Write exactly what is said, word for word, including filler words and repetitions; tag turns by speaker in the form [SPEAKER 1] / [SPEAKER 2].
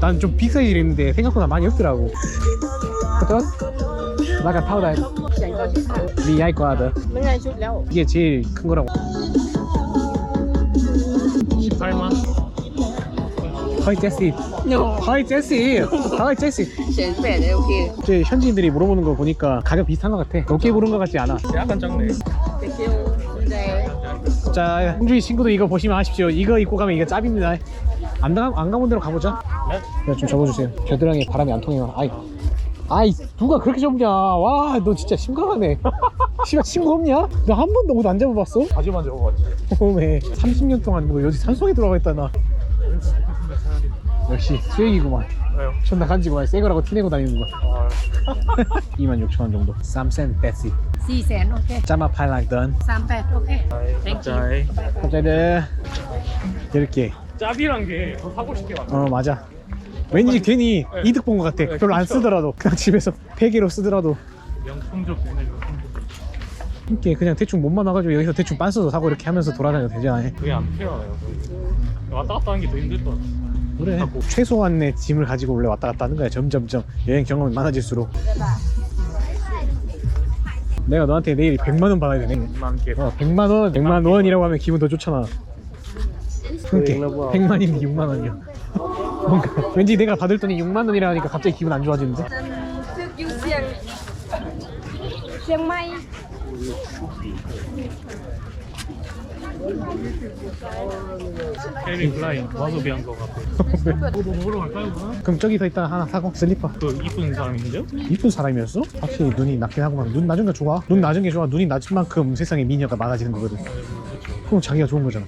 [SPEAKER 1] 난 좀 빅사이즈 있는데 생각보다 많이 없더라고. 어떤? 나가 타오다.
[SPEAKER 2] 选过去看，
[SPEAKER 1] 미 아이 거하다.
[SPEAKER 2] 没人收了。
[SPEAKER 1] 이게 제일 큰 거라고.
[SPEAKER 3] 십팔만.
[SPEAKER 1] 하이 제시.
[SPEAKER 2] No，
[SPEAKER 1] 하이 제시. 하이 제시.
[SPEAKER 2] 选北的 OK。
[SPEAKER 1] 이제 현지인들이 물어보는 거 보니까 가격 비슷한 것 같아. 높게 부른 것 같지 않아.
[SPEAKER 3] 약간 작네.
[SPEAKER 2] Thank you。现在
[SPEAKER 1] 자, 홍주희 친구도 이거 보시면 아십시오. 이거 입고 가면 이거 짭입니다. 안, 가, 안 가본 데로 가보자.
[SPEAKER 3] 네?
[SPEAKER 1] 야, 좀 접어주세요. 겨드랑이에 바람이 안 통해요. 아이, 아이, 누가 그렇게 접냐? 와, 너 진짜 심각하네. 씨발 친구 없냐? 너 한 번도 옷 안 잡아봤어?
[SPEAKER 3] 바지만 접어봤지.
[SPEAKER 1] 어메, 삼십 년 동안 뭐 여기 산속에 들어가 있다 나. 역시 수액이구만.
[SPEAKER 3] 왜요?
[SPEAKER 1] 존나 간지구만. 새 거라고 티내고 다니는 거.
[SPEAKER 3] 아,
[SPEAKER 1] 이만 육천 원 정도. 삼센 베시.
[SPEAKER 2] 四千 OK，
[SPEAKER 1] 짜마 팔락던.
[SPEAKER 2] 三百 OK。
[SPEAKER 3] 갑자기.
[SPEAKER 1] 갑자기 이렇게.
[SPEAKER 3] 짭이란 게 더 사고 싶게 만들어.
[SPEAKER 1] 어 맞아. 왠지 괜히
[SPEAKER 3] 네.
[SPEAKER 1] 이득 본 것 같아.
[SPEAKER 3] 네,
[SPEAKER 1] 별로 안
[SPEAKER 3] 그쵸.
[SPEAKER 1] 쓰더라도 그냥 집에서 베개로 쓰더라도
[SPEAKER 3] 명품적 되네, 명품적.
[SPEAKER 1] 이렇게 그냥 대충 몸만 와가지고 여기서 대충 빤 써서 사고 이렇게 하면서 돌아다녀도 되잖아.
[SPEAKER 3] 그게 안 필요하네요. 왔다 갔다 하는 게 더 힘들 것 같아.
[SPEAKER 1] 그래. 최소한의 짐을 가지고 원래 왔다 갔다 하는 거야. 점점점 여행 경험이 많아질수록. 내가 너한테 내일 백만 원 받아야 되네.
[SPEAKER 3] 만 개.
[SPEAKER 1] 어, 백만 원, 백만 원이라고 하면 기분 더 좋잖아. 그러니까 백만인데 육만 원이야. 뭔가 왠지 내가 받을 돈이 육만 원이라 하니까 갑자기 기분 안 좋아지는데.
[SPEAKER 2] 这有香，香麦。
[SPEAKER 3] 케빈 클라인 와소비한 거 같아. 뭐 먹으러 갈까요, 그러면?
[SPEAKER 1] 그럼 저기서 이따 하나 사고 슬리퍼.
[SPEAKER 3] 그 이쁜 사람인데요?
[SPEAKER 1] 이쁜 사람이었어? 확실히 눈이 낮긴 하구만. 눈 낮은 게 좋아. 눈 낮은 게 좋아. 눈이 낮은 만큼 세상에 미녀가 많아지는 거거든. 그럼 자기가 좋은 거잖아.